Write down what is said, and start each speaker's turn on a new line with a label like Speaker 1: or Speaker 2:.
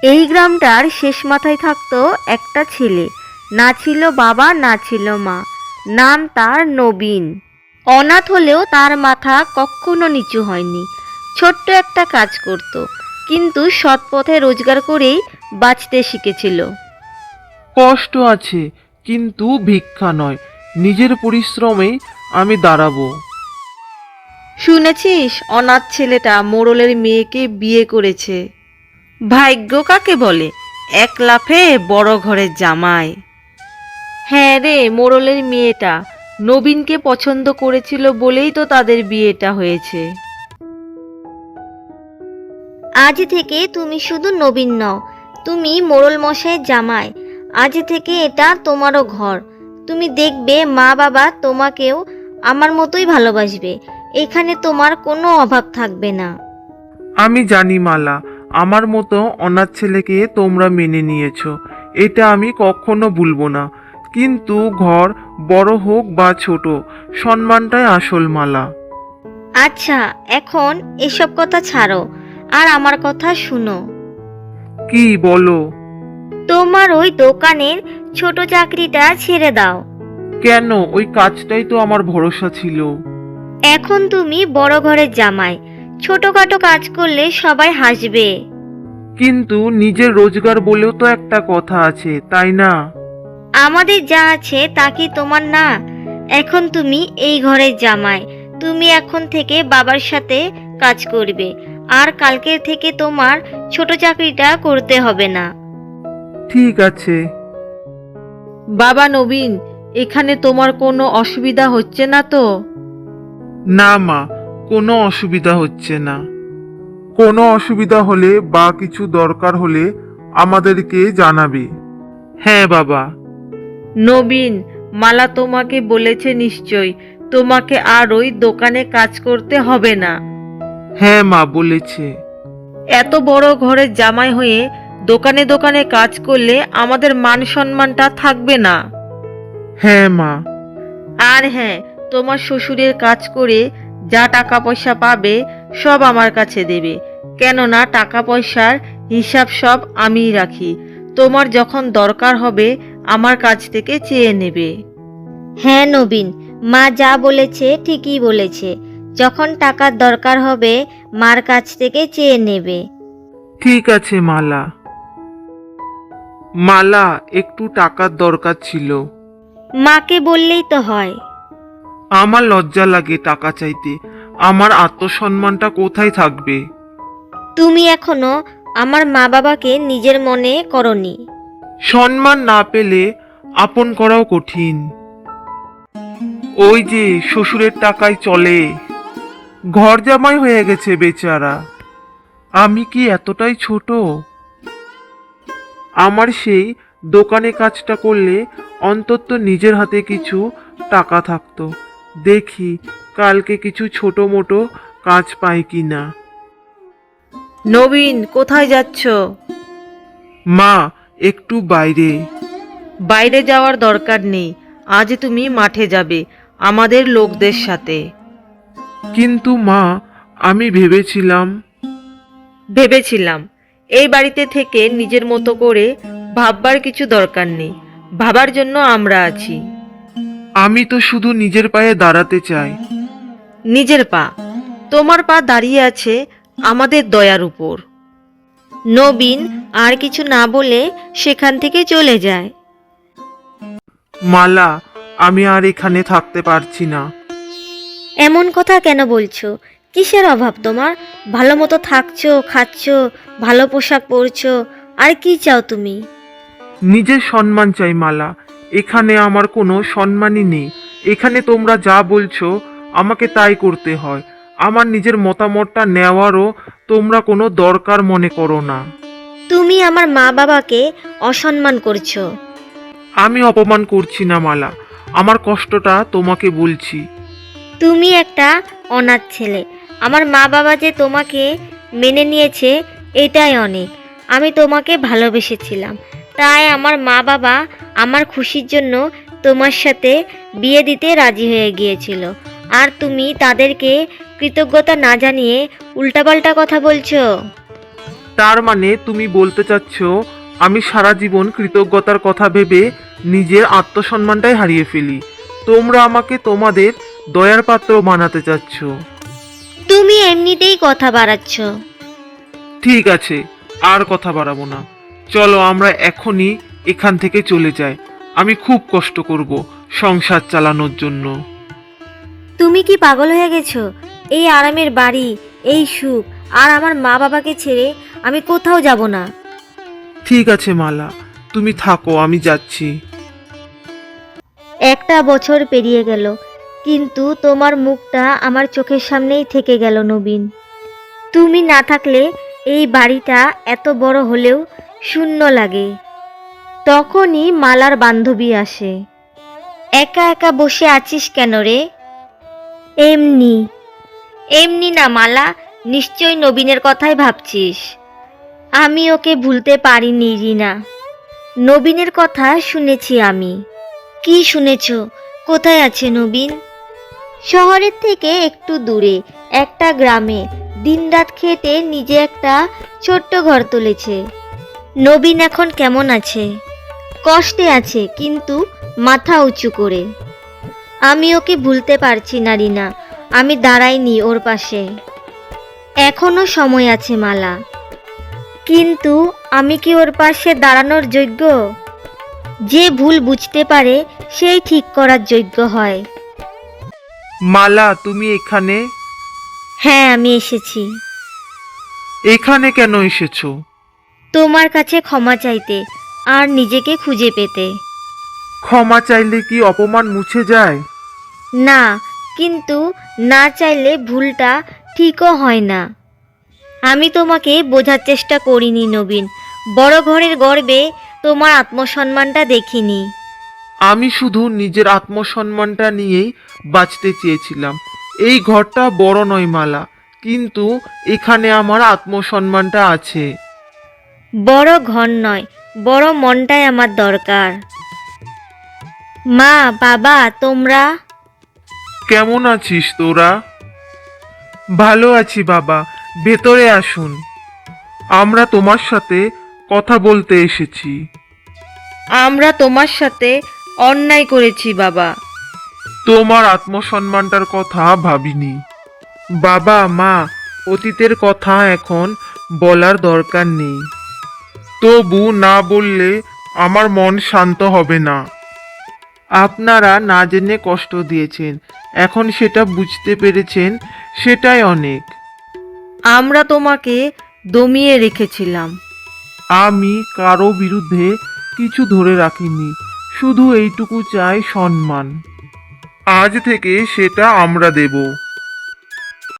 Speaker 1: এই গ্রামটার শেষ মাথায় থাকতো একটা ছেলে, না ছিল বাবা না ছিল মা। নাম তার নবীন। অনাথ হলেও তার মাথা কখনো নিচু হয়নি। ছোট্ট একটা কাজ করত, কিন্তু সৎ পথে রোজগার করেই বাঁচতে শিখেছিল।
Speaker 2: কষ্ট আছে, কিন্তু ভিক্ষা নয়, নিজের পরিশ্রমেই আমি দাঁড়াবো।
Speaker 1: শুনেছিস অনাথ ছেলেটা মোড়লের মেয়েকে বিয়ে করেছে? ভাগ্য কাকে বলে, এক লাফে বড় ঘরের জামাই। হ্যাঁ রে, মোড়লের মেয়েটা নবীনকে পছন্দ করেছিল বলেই তো তাদের বিয়েটা হয়েছে।
Speaker 3: আজ থেকে তুমি শুধু নবীন নও, তুমি মোড়ল মশাইয়ের জামাই। আজ থেকে এটা তোমারও ঘর। তুমি দেখবে মা বাবা তোমাকেও আমার মতোই ভালোবাসবে। এখানে তোমার কোনো অভাব থাকবে না।
Speaker 2: আমি জানি মালা, আমার মতো অনাথ ছেলেকে তোমরা মেনে নিয়েছো, এটা আমি কখনো ভুলবো না। কিন্তু ঘর বড় হোক বা ছোট, সম্মানটাই আসল মালা।
Speaker 3: আচ্ছা, এখন এসব কথা ছাড়ো, আর আমার কথা শুনো।
Speaker 2: কি বলো?
Speaker 3: তোমার ওই দোকানের ছোট চাকরিটা ছেড়ে দাও।
Speaker 2: কেন? ওই কাজটাই তো আমার ভরসা ছিল।
Speaker 3: এখন তুমি বড় ঘরের জামাই, ছোটখাটো কাজ করলে সবাই হাসবে।
Speaker 2: কিন্তু নিজের রোজগার বলেও তো একটা কথা আছে, তাই না?
Speaker 3: আমাদের যা আছে তা কি তোমার না? এখন তুমি এই ঘরের জামাই। তুমি এখন থেকে বাবার সাথে কাজ করবে, আর কালকের থেকে তোমার ছোট চাকরিটা করতে হবে না।
Speaker 2: ঠিক আছে।
Speaker 1: বাবা নবীন, এখানে তোমার কোনো অসুবিধা হচ্ছে না তো?
Speaker 2: না মা, কোনো অসুবিধা হচ্ছে না। কোনো অসুবিধা হলে বা কিছু দরকার হলে আমাদেরকে জানাবে। হ্যাঁ বাবা।
Speaker 1: নবীন, মালা তোমাকে বলেছে নিশ্চয় তোমাকে আর ওই দোকানে কাজ করতে হবে না।
Speaker 2: হ্যাঁ মা, বলেছে।
Speaker 1: এত বড় ঘরের জামাই হয়ে দোকানে দোকানে কাজ করলে আমাদের মান সম্মানটা থাকবে না।
Speaker 2: হ্যাঁ মা।
Speaker 1: আর হ্যাঁ, তোমার শ্বশুরের কাজ করে যা টাকা পয়সা পাবে সব আমার কাছে দেবে, কেননা টাকা পয়সার হিসাব সব আমিই রাখি। তোমার যখন দরকার হবে আমার কাছ থেকে চেয়ে নেবে।
Speaker 3: হ্যাঁ নবীন, মা যা বলেছে ঠিকই বলেছে। যখন টাকার দরকার হবে মার কাছ থেকে চেয়ে নেবে।
Speaker 2: ঠিক আছে মালা। মালা, একটু টাকার দরকার ছিল।
Speaker 3: মাকে বললেই তো হয়।
Speaker 2: আমার লজ্জা লাগে টাকা চাইতে। আমার আত্মসম্মানটা কোথায় থাকবে?
Speaker 3: তুমি এখনো আমার মা বাবাকে নিজের মনে করনি।
Speaker 2: সম্মান না পেলে আপন করাও কঠিন। ওই যে শ্বশুরের টাকায় চলে, ঘর জামাই হয়ে গেছে বেচারা। আমি কি এতটাই ছোট? আমার সেই দোকানে কাজটা করলে অন্তত নিজের হাতে কিছু টাকা থাকতো। দেখি কালকে কিছু ছোট মোটো কাজ পাই কিনা।
Speaker 1: নবীন, কোথায় যাচ্ছ?
Speaker 2: মা, একটু বাইরে।
Speaker 1: বাইরে যাওয়ার দরকার নেই, আজ তুমি মাঠে যাবে আমাদের লোকদের সাথে।
Speaker 2: কিন্তু মা, আমি
Speaker 1: ভেবেছিলাম এই বাড়িতে থেকে নিজের মতো করে ভাববার কিছু দরকার নেই, ভাবার জন্য আমরা আছি।
Speaker 2: আমি তো শুধু নিজের পায়ে দাঁড়াতে চাই।
Speaker 1: নিজের পা? তোমার পা দাঁড়িয়ে আছে আমাদের দয়ার উপর।
Speaker 3: নবীন আর কিছু না বলে সেখান থেকে চলে যায়।
Speaker 2: মালা, আমি আর এখানে থাকতে পারছি না।
Speaker 3: এমন কথা কেন বলছো? কিসের অভাব তোমার? ভালো মতো থাকছো, খাচ্ছো, ভালো পোশাক পরছো, আর কি চাও তুমি?
Speaker 2: নিজের সম্মান চাই মালা। এখানে আমার কোনো সম্মানই নেই। এখানে তোমরা যা বলছো আমাকে তাই করতে হয়। আমার নিজের মতামতটা নেওয়ারও তোমরা কোনো দরকার মনে করো না।
Speaker 3: তুমি আমার মা বাবাকে অসম্মান করছো।
Speaker 2: আমি অপমান করছি না মালা, আমার কষ্টটা তোমাকে বলছি।
Speaker 3: তুমি একটা অনাথ ছেলে। আমার মা বাবা যে তোমাকে মেনে নিয়েছে এটাই অনেক। আমি তোমাকে ভালোবেসেছিলাম, তাই আমার মা বাবা আমার খুশির জন্য তোমার সাথে বিয়ে দিতে রাজি হয়ে গিয়েছিল। আর তুমি তাদেরকে কৃতজ্ঞতা না জানিয়ে উল্টাপাল্টা কথা বলছো।
Speaker 2: তার মানে তুমি বলতে চাচ্ছ আমি সারা জীবন কৃতজ্ঞতার কথা ভেবে নিজের আত্মসম্মানটাই হারিয়ে ফেলি। তোমরা আমাকে তোমাদের দয়ার পাত্র বানাতে চাচ্ছ।
Speaker 3: তুমি এমনিতেই কথা বাড়াচ্ছ।
Speaker 2: ঠিক আছে, আর কথা বাড়াবো না। চলো আমরা এখনই এখান থেকে চলে যাই। আমি খুব কষ্ট করব সংসার চালানোর জন্য।
Speaker 3: তুমি কি পাগল হয়ে গেছো? এই আরামের বাড়ি, এই সুখ আর আমার মা বাবাকে ছেড়ে আমি কোথাও যাব না।
Speaker 2: ঠিক আছে মালা, তুমি থাকো, আমি যাচ্ছি।
Speaker 3: একটা বছর পেরিয়ে গেল, কিন্তু তোমার মুখটা আমার চোখের সামনেই থেকে গেল নবীন। তুমি না থাকলে এই বাড়িটা এত বড় হলেও শূন্য লাগে। তখনই মালার বান্ধবী আসে। একা একা বসে আছিস কেন রে? এমনি। এমনি না মালা, নিশ্চয় নবীনের কথাই ভাবছিস। আমি ওকে ভুলতে পারিনি রিনা। নবীনের কথা শুনেছি আমি। কি শুনেছ? কোথায় আছে নবীন? শহরের থেকে একটু দূরে একটা গ্রামে দিনরাত খেটে নিজে একটা ছোট্ট ঘর তুলেছে। নবীন এখন কেমন আছে? কষ্টে আছে, কিন্তু মাথা উঁচু করে। আমি ওকে ভুলতে পারছি না রিনা, আমি দাঁড়াইনি ওর পাশে। এখনো সময় আছে মালা, কিন্তু আমি কি ওর পাশে দাঁড়ানোর যোগ্য? যে ভুল বুঝতে পারে সেই ঠিক করার যোগ্য হয়।
Speaker 2: মালা, তুমি এখানে?
Speaker 3: হ্যাঁ, আমি এসেছি
Speaker 2: এখানে কেন এসেছো?
Speaker 3: তোমার কাছে ক্ষমা চাইতে আর নিজেকে খুঁজে পেতে।
Speaker 2: ক্ষমা চাইলে কি অপমান মুছে যায়?
Speaker 3: না, কিন্তু না চাইলে ভুলটা ঠিকও হয় না। আমি তোমাকে বোঝার চেষ্টা করিনি নবীন। বড় ঘরের গর্বে তোমার আত্মসম্মানটা দেখিনি।
Speaker 2: আমি শুধু নিজের আত্মসম্মানটা নিয়েই বাঁচতে চেয়েছিলাম। এই ঘরটা বড় নয় মালা, কিন্তু এখানে আমার আত্মসম্মানটা আছে।
Speaker 3: বড় ঘর নয়, বড় মনটাই আমার দরকার। মা, বাবা, তোমরা
Speaker 2: কেমন আছিস তোরা? ভালো আছি বাবা, ভেতরে আসুন। আমরা তোমার সাথে কথা বলতে এসেছি।
Speaker 1: আমরা তোমার সাথে অন্যায় করেছি বাবা।
Speaker 2: তোমার আত্মসম্মানটার কথা ভাবিনি। বাবা মা, অতীতের কথা এখন বলার দরকার নেই। তবু না বললে আমার মন শান্ত হবে না। আপনারা না জেনে কষ্ট দিয়েছেন, এখন সেটা বুঝতে পেরেছেন, সেটাই অনেক।
Speaker 1: আমরা তোমাকে দমিয়ে রেখেছিলাম।
Speaker 2: আমি কারো বিরুদ্ধে কিছু ধরে রাখিনি, শুধু এইটুকু চাই সম্মান। আজ থেকে সেটা আমরা দেব।